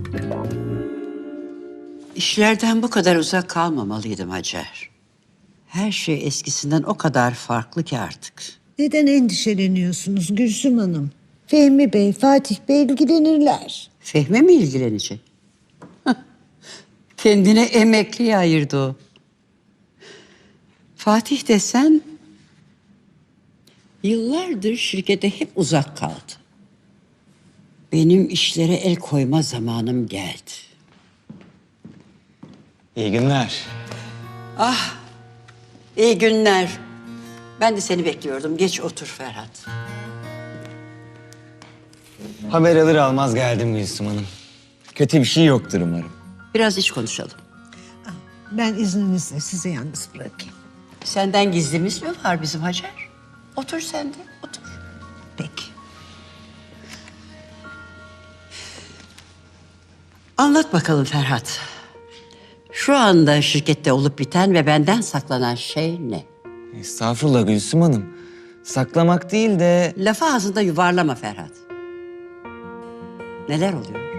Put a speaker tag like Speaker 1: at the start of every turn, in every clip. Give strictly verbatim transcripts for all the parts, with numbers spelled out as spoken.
Speaker 1: İşlerden bu kadar uzak kalmamalıydım Hacer. Her şey eskisinden o kadar farklı ki artık.
Speaker 2: Neden endişeleniyorsunuz Gülsüm Hanım? Fehmi Bey, Fatih Bey ilgilenirler.
Speaker 1: Fehmi mi ilgilenecek? Kendine emekliye ayırdı o. Fatih desen yıllardır şirkete hep uzak kaldı. Benim işlere el koyma zamanım geldi.
Speaker 3: İyi günler.
Speaker 1: İyi günler. Ben de seni bekliyordum. Geç otur Ferhat.
Speaker 3: Haber alır almaz geldim Gülsüm Hanım. Kötü bir şey yoktur umarım.
Speaker 1: Biraz iç konuşalım.
Speaker 2: Ben izninizle sizi yalnız bırakayım.
Speaker 1: Senden gizlimiz mi var bizim Hacer? Otur sen de, otur.
Speaker 2: Peki.
Speaker 1: Anlat bakalım Ferhat. Şu anda şirkette olup biten ve benden saklanan şey ne?
Speaker 3: Estağfurullah Gülsüm Hanım. Saklamak değil de...
Speaker 1: Lafı ağzında yuvarlama Ferhat. Neler oluyor?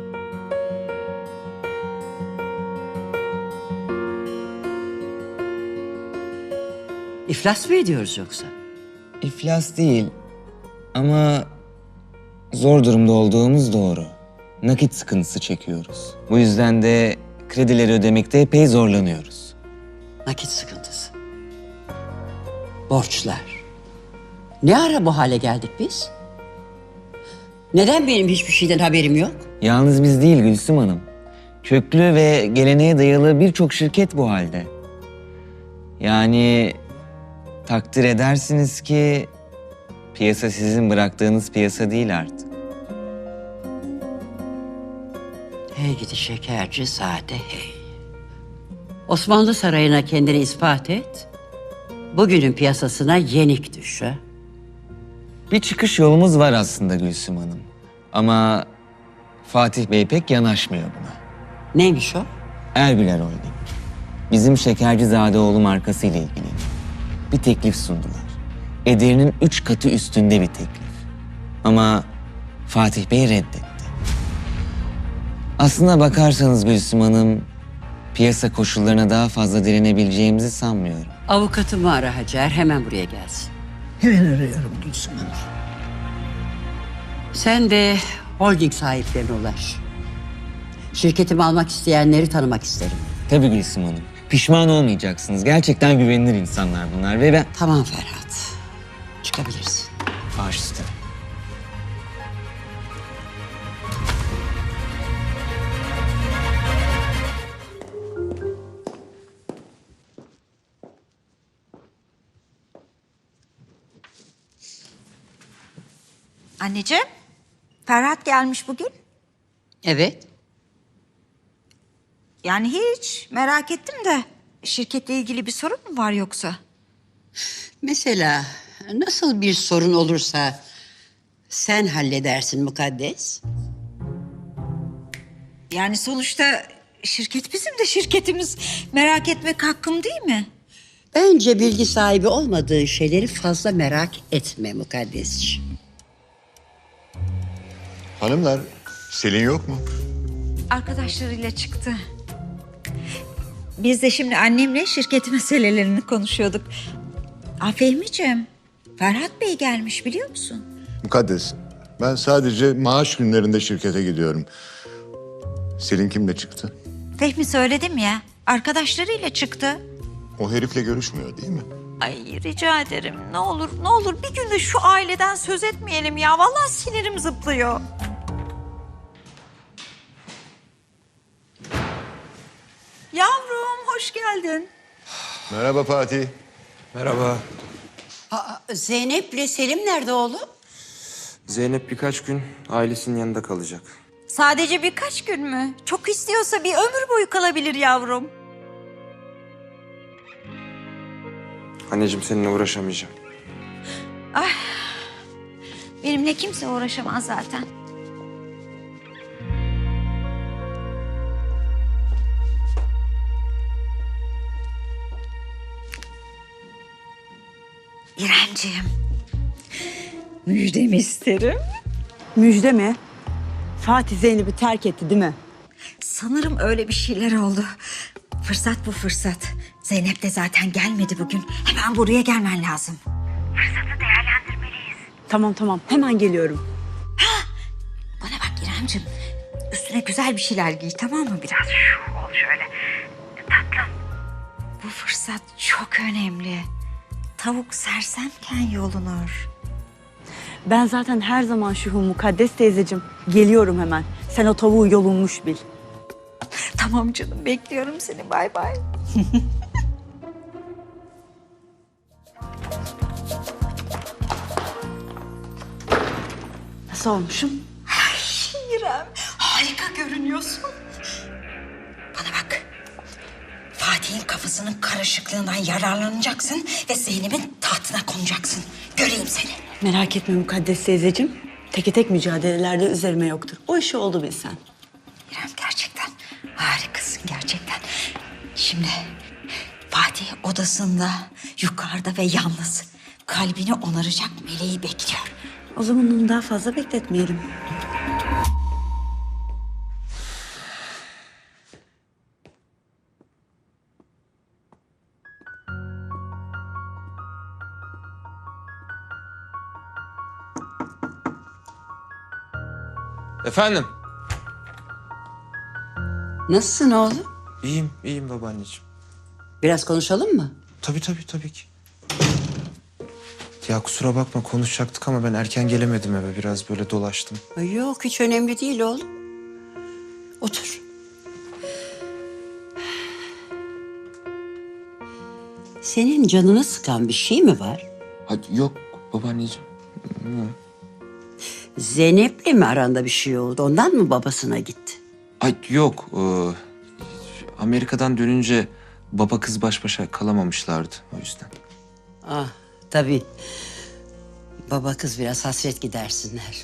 Speaker 1: İflas mı ediyoruz yoksa?
Speaker 3: iflas değil. Ama zor durumda olduğumuz doğru. Nakit sıkıntısı çekiyoruz. Bu yüzden de kredileri ödemekte epey zorlanıyoruz.
Speaker 1: Nakit sıkıntısı. Borçlar. Ne ara bu hale geldik biz? Neden benim hiçbir şeyden haberim yok?
Speaker 3: Yalnız biz değil Gülsüm Hanım. Köklü ve geleneğe dayalı birçok şirket bu halde. Yani takdir edersiniz ki piyasa sizin bıraktığınız piyasa değil artık.
Speaker 1: Hey gidi şekerci zade hey. Osmanlı Sarayı'na kendini ispat et. Bugünün piyasasına yenik düş ha.
Speaker 3: Bir çıkış yolumuz var aslında Gülsüm Hanım. Ama Fatih Bey pek yanaşmıyor buna.
Speaker 1: Neymiş o?
Speaker 3: Erbiler Holding. Bizim Şekercizadeoğlu markasıyla ilgileniyor. Bir teklif sundular. Ederinin üç katı üstünde bir teklif. Ama Fatih Bey reddetti. Aslına bakarsanız Gülsüm Hanım, piyasa koşullarına daha fazla direnebileceğimizi sanmıyorum.
Speaker 1: Avukatımı ara Hacer, hemen buraya gelsin.
Speaker 2: Hemen arıyorum Gülsüm Hanım.
Speaker 1: Sen de holding sahiplerine ulaş. Şirketimi almak isteyenleri tanımak isterim.
Speaker 3: Tabii Gülsüm Hanım. Pişman olmayacaksınız. Gerçekten güvenilir insanlar bunlar ve ben...
Speaker 1: Tamam Ferhat. Çıkabilirsin.
Speaker 3: Baş üstüne.
Speaker 4: Anneciğim, Ferhat gelmiş bugün.
Speaker 1: Evet.
Speaker 4: Yani hiç merak ettim de şirketle ilgili bir sorun mu var yoksa?
Speaker 1: Mesela nasıl bir sorun olursa sen halledersin Mukaddes.
Speaker 4: Yani sonuçta şirket bizim de şirketimiz. Merak etmek hakkım değil mi?
Speaker 1: Bence bilgi sahibi olmadığı şeyleri fazla merak etme Mukaddesciğim.
Speaker 5: Hanımlar, Selin yok mu?
Speaker 4: Arkadaşlarıyla çıktı. Biz de şimdi annemle şirket meselelerini konuşuyorduk. Aa, Fehmi'ciğim, Ferhat Bey gelmiş biliyor musun?
Speaker 5: Mukaddes, ben sadece maaş günlerinde şirkete gidiyorum. Selin kimle çıktı?
Speaker 4: Fehmi söyledim ya, arkadaşlarıyla çıktı.
Speaker 5: O herifle görüşmüyor değil mi?
Speaker 4: Ay rica ederim ne olur ne olur bir gün de şu aileden söz etmeyelim ya. Vallahi sinirim zıplıyor. Yavrum hoş geldin.
Speaker 5: Merhaba Fatih.
Speaker 6: Merhaba.
Speaker 1: Aa, Zeynep'le Selim nerede oğlum?
Speaker 6: Zeynep birkaç gün ailesinin yanında kalacak.
Speaker 4: Sadece birkaç gün mü? Çok istiyorsa bir ömür boyu kalabilir yavrum.
Speaker 6: Anneciğim seninle uğraşamayacağım.
Speaker 4: Benimle kimse uğraşamaz zaten. İremciğim, müjdemi isterim.
Speaker 7: Müjde mi? Fatih Zeynep'i terk etti değil mi?
Speaker 4: Sanırım öyle bir şeyler oldu. Fırsat bu fırsat. Zeynep de zaten gelmedi bugün. Hemen buraya gelmen lazım.
Speaker 7: Tamam tamam hemen geliyorum.
Speaker 4: Bana bak İremciğim. Üstüne güzel bir şeyler giy, tamam mı? Biraz şu ol şöyle. Tatlım. Bu fırsat çok önemli. Tavuk sersemken yolunur.
Speaker 7: Ben zaten her zaman şu mukaddes teyzeciğim. Geliyorum hemen. Sen o tavuğu yolunmuş bil.
Speaker 4: Tamam canım, bekliyorum seni. Bay bay.
Speaker 7: Nasıl olmuşum?
Speaker 4: İrem, harika görünüyorsun. Bana bak. Fatih'in kafasının karışıklığından yararlanacaksın ve Zeynep'in tahtına konacaksın. Göreyim seni.
Speaker 7: Merak etme mukaddes teyzeciğim. Teke tek mücadelelerde üzerime yoktur. O işi oldu bilsen.
Speaker 4: İrem gerçekten harikasın gerçekten. Şimdi Fatih odasında, yukarıda ve yalnız. Kalbini onaracak meleği bekliyor.
Speaker 7: O zaman onu daha fazla bekletmeyelim.
Speaker 6: Efendim?
Speaker 1: Nasılsın oğlum?
Speaker 6: İyiyim, iyiyim babaanneciğim.
Speaker 1: Biraz konuşalım mı?
Speaker 6: Tabii tabii tabii ki. Ya kusura bakma konuşacaktık ama ben erken gelemedim eve. Biraz böyle dolaştım.
Speaker 1: Ay yok, hiç önemli değil oğlum. Otur. Senin canını sıkan bir şey mi var?
Speaker 6: Hadi yok babaanneciğim.
Speaker 1: Zeynep'le mi aranda bir şey oldu? Ondan mı babasına gitti?
Speaker 6: Ay yok. ee, Amerika'dan dönünce baba kız baş başa kalamamışlardı o yüzden.
Speaker 1: Ah, tabii. Baba kız biraz hasret gidersinler.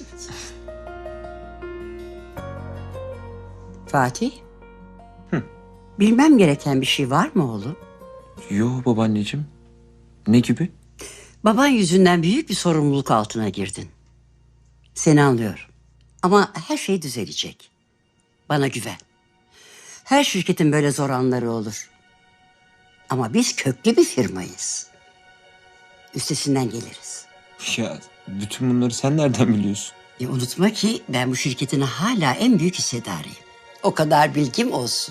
Speaker 1: Fatih?
Speaker 6: Hı.
Speaker 1: Bilmem gereken bir şey var mı oğlum?
Speaker 6: Yo babaanneciğim. Ne gibi?
Speaker 1: Baban yüzünden büyük bir sorumluluk altına girdin. Seni anlıyorum. Ama her şey düzelecek. Bana güven. Her şirketin böyle zor anları olur. Ama biz köklü bir firmayız. Üstesinden geliriz.
Speaker 6: Ya bütün bunları sen nereden biliyorsun?
Speaker 1: E, unutma ki ben bu şirketin hala en büyük hissedarıyım. O kadar bilgim olsun.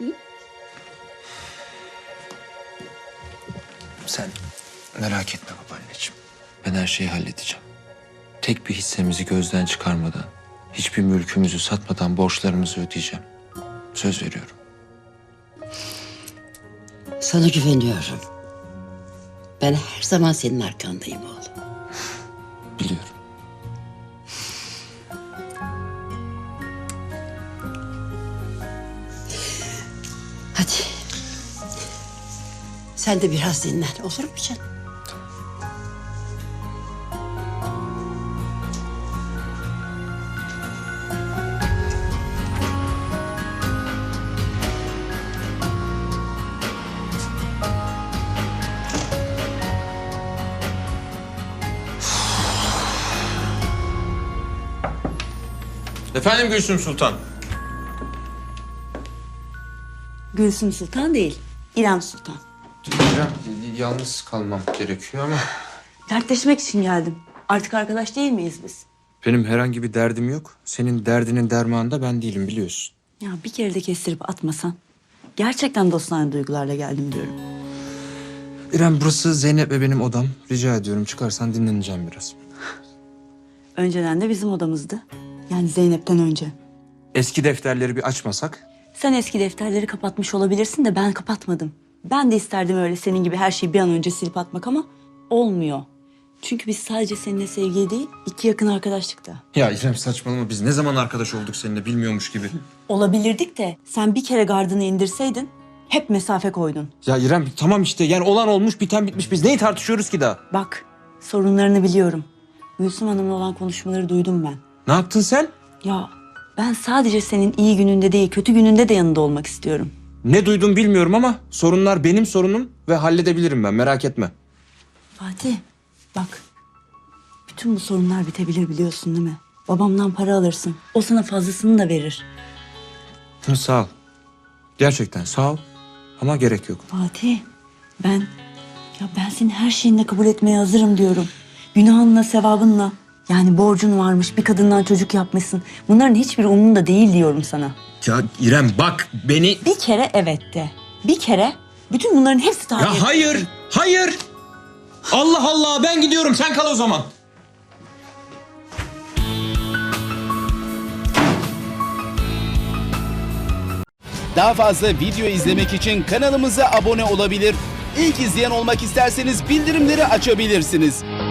Speaker 6: Sen merak etme babaanneciğim. Ben her şeyi halledeceğim. Tek bir hissemizi gözden çıkarmadan, hiçbir mülkümüzü satmadan borçlarımızı ödeyeceğim. Söz veriyorum.
Speaker 1: Sana güveniyorum. Ben her zaman senin arkandayım oğlum.
Speaker 6: Biliyorum.
Speaker 1: Hadi. Sen de biraz dinlen, olur mu canım?
Speaker 6: Efendim Gülsüm Sultan.
Speaker 7: Gülsüm Sultan değil, İrem Sultan.
Speaker 6: İrem, yalnız kalmam gerekiyor ama...
Speaker 7: Dertleşmek için geldim. Artık arkadaş değil miyiz biz?
Speaker 6: Benim herhangi bir derdim yok. Senin derdinin dermanı da ben değilim biliyorsun.
Speaker 7: Ya bir kere de kestirip atmasan. Gerçekten dostane duygularla geldim diyorum.
Speaker 6: İrem burası Zeynep ve benim odam. Rica ediyorum çıkarsan dinleneceğim biraz.
Speaker 7: Önceden de bizim odamızdı. Yani Zeynep'ten önce.
Speaker 6: Eski defterleri bir açmasak?
Speaker 7: Sen eski defterleri kapatmış olabilirsin de ben kapatmadım. Ben de isterdim öyle senin gibi her şeyi bir an önce silip atmak ama olmuyor. Çünkü biz sadece seninle sevgili değil, iki yakın arkadaştık da.
Speaker 6: Ya İrem saçmalama biz ne zaman arkadaş olduk seninle bilmiyormuş gibi.
Speaker 7: Olabilirdik de sen bir kere gardını indirseydin hep mesafe koydun.
Speaker 6: Ya İrem tamam işte yani olan olmuş biten bitmiş biz neyi tartışıyoruz ki daha?
Speaker 7: Bak sorunlarını biliyorum. Gülsüm Hanım'la olan konuşmaları duydum ben.
Speaker 6: Ne yaptın sen?
Speaker 7: Ya ben sadece senin iyi gününde değil kötü gününde de yanında olmak istiyorum.
Speaker 6: Ne duydum bilmiyorum ama sorunlar benim sorunum ve halledebilirim ben merak etme.
Speaker 7: Fatih bak bütün bu sorunlar bitebilir biliyorsun değil mi? Babamdan para alırsın. O sana fazlasını da verir.
Speaker 6: Hı, sağ ol. Gerçekten sağ ol. Ama gerek yok.
Speaker 7: Fatih, ben ya ben senin her şeyinle kabul etmeye hazırım diyorum. Günahınla, sevabınla. Yani borcun varmış, bir kadından çocuk yapmışsın. Bunların hiçbiri umurunda değil diyorum sana.
Speaker 8: Ya İrem bak beni...
Speaker 7: Bir kere evet de. Bir kere bütün bunların hepsi tahmin
Speaker 8: Ya hayır, hayır. Allah Allah ben gidiyorum sen kal o zaman.
Speaker 9: Daha fazla video izlemek için kanalımıza abone olabilir. İlk izleyen olmak isterseniz bildirimleri açabilirsiniz.